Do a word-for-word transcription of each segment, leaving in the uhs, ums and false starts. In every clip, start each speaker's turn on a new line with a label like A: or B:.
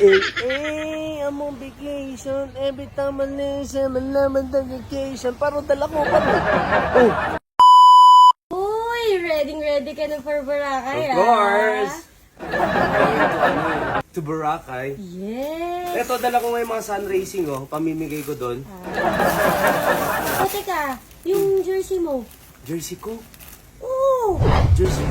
A: eh, eh, I'm on vacation. Every time I listen, malaman the vacation. Parang dala ko pa rin. Oh.
B: Uy, ready ready ka na for Boracay,
A: Of course! To Boracay.
B: Yes!
A: Ito, dala ko ngayon mga sun racing, oh. Pamimigay ko doon.
B: O, teka, yung jersey mo.
A: Jersey ko?
B: Oo!
A: Jersey.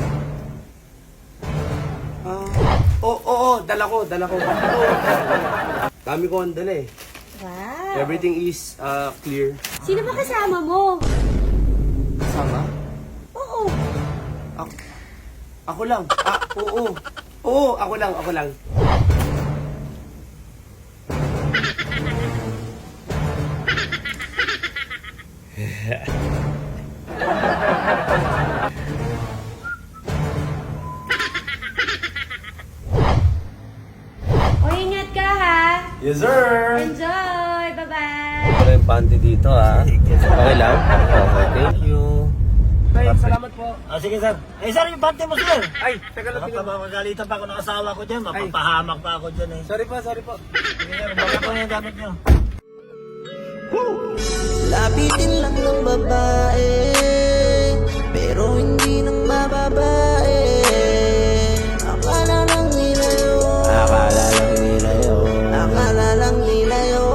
A: Ah, oo, oo, oh, dala ko, dala ko. Oh. Dami ko ang dala eh.
B: Wow!
A: Everything is uh, clear.
B: Sino ba kasama mo?
A: Kasama?
B: Oo!
A: Ako, ako lang. Ah, oo. Oo, ako lang, ako lang.
B: O, ingat ka ha!
A: Yes, sir!
B: Enjoy! Bye-bye!
A: Wala yung panty dito, ha? Okay lang? Okay, thank you. Ay, salamat po.
C: Ah, sige sir. Eh sir, yung bante mo sir.
A: Ay, teka lang,
C: Baka
A: teka lang.
C: magalitan pa ako ng asawa ko dyan. Mapapahamak pa ako dyan eh.
A: Sorry po, sorry po.
C: Sige sir, baka po yung gamit nyo.
D: Lapitin lang ng babae, pero hindi ng mababae. Akala lang nila yun, akala lang nila yun, akala lang nila yun.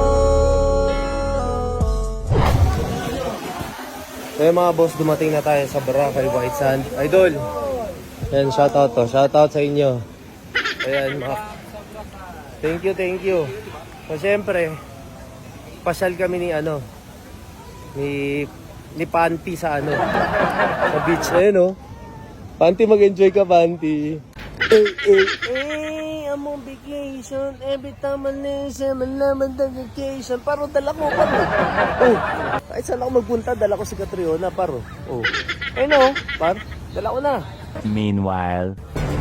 A: So yung mga boss, dumating na tayo sa Boracay White Sand. Idol! Yan, shoutout to. Shoutout sa inyo. Ayan, mga... Thank you, thank you. So, syempre, pasyal kami ni ano, ni, ni Panty sa ano, sa beach. Ayan, oh. Panty, mag-enjoy ka, Panty. Eh, eh, eh, I'm on vacation. Every time I listen, malaman the vacation. Paro, dala ko pa rin. Oh, kahit saan ako magpunta, dala ko si Catriona, paro. Oh, ayun oh, par, dala ko na.
E: Meanwhile.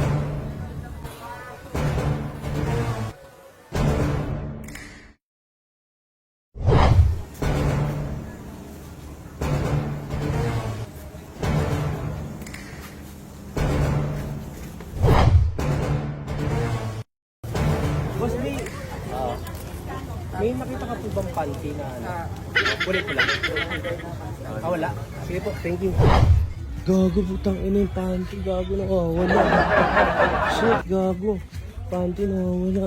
A: Boss, may, ah, may nakita ka po bang panty na ano? Kulit ko lang. Ah, wala. Sige po, thank you. Gago, putang ina yung panty. Gago, nakawala. Shit, gago. Panty nakawala.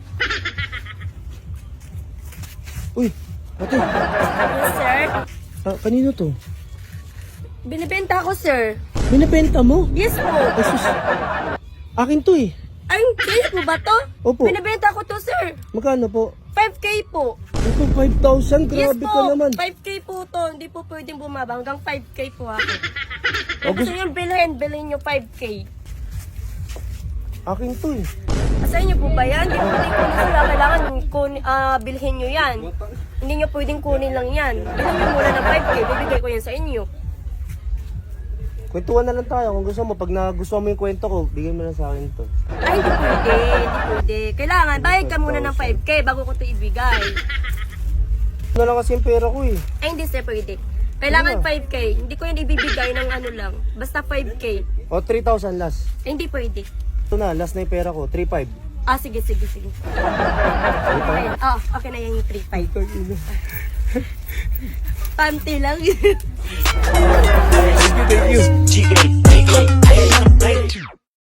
A: Uy, ate.
B: Yes, sir.
A: Ah, kanino to?
B: Binibenta ko, sir.
A: Binibenta mo?
B: Yes po.
A: Ay, sus. Akin to eh.
B: Ay, kayo po ba to?
A: Opo.
B: Binibenta ko to, sir.
A: Magkano po?
B: five K po.
A: Ito, five thousand.
B: Yes
A: Grabe
B: po.
A: ka naman.
B: five K po to. Hindi po pwedeng bumaba. Hanggang five K po ako.
A: Oh,
B: Kung gusto
A: gusto-
B: nyo bilhin, bilhin nyo five K.
A: Akin to eh.
B: Sa inyo po ba yan? Hindi po pwedeng kunin sila. Kailangan kun, ah, bilhin nyo yan. Hindi nyo pwedeng kunin lang yan. Bilhin nyo muna ng five K. Bibigay ko yan sa inyo.
A: Kwentuhan na lang tayo. Kung gusto mo, pag nagustuhan mo yung kwento ko, bigyan mo na sa akin to.
B: Ay, hindi pwede. Hindi pwede. Kailangan, bayad ka muna ng five K bago ko ito ibigay.
A: Ano lang kasi yung pera ko eh.
B: Ay, hindi sir, pwede. Kailangan
A: Ano?
B: five K. Hindi ko yan ibibigay ng ano lang. Basta five K.
A: O, three thousand last.
B: Ay, hindi pwede.
A: Ito na, last na yung pera ko. three five.
B: Ah, sige, sige, sige. Okay, oh, okay na yan yung three five. Panty lang.
A: Thank you, thank you.
E: G A A A A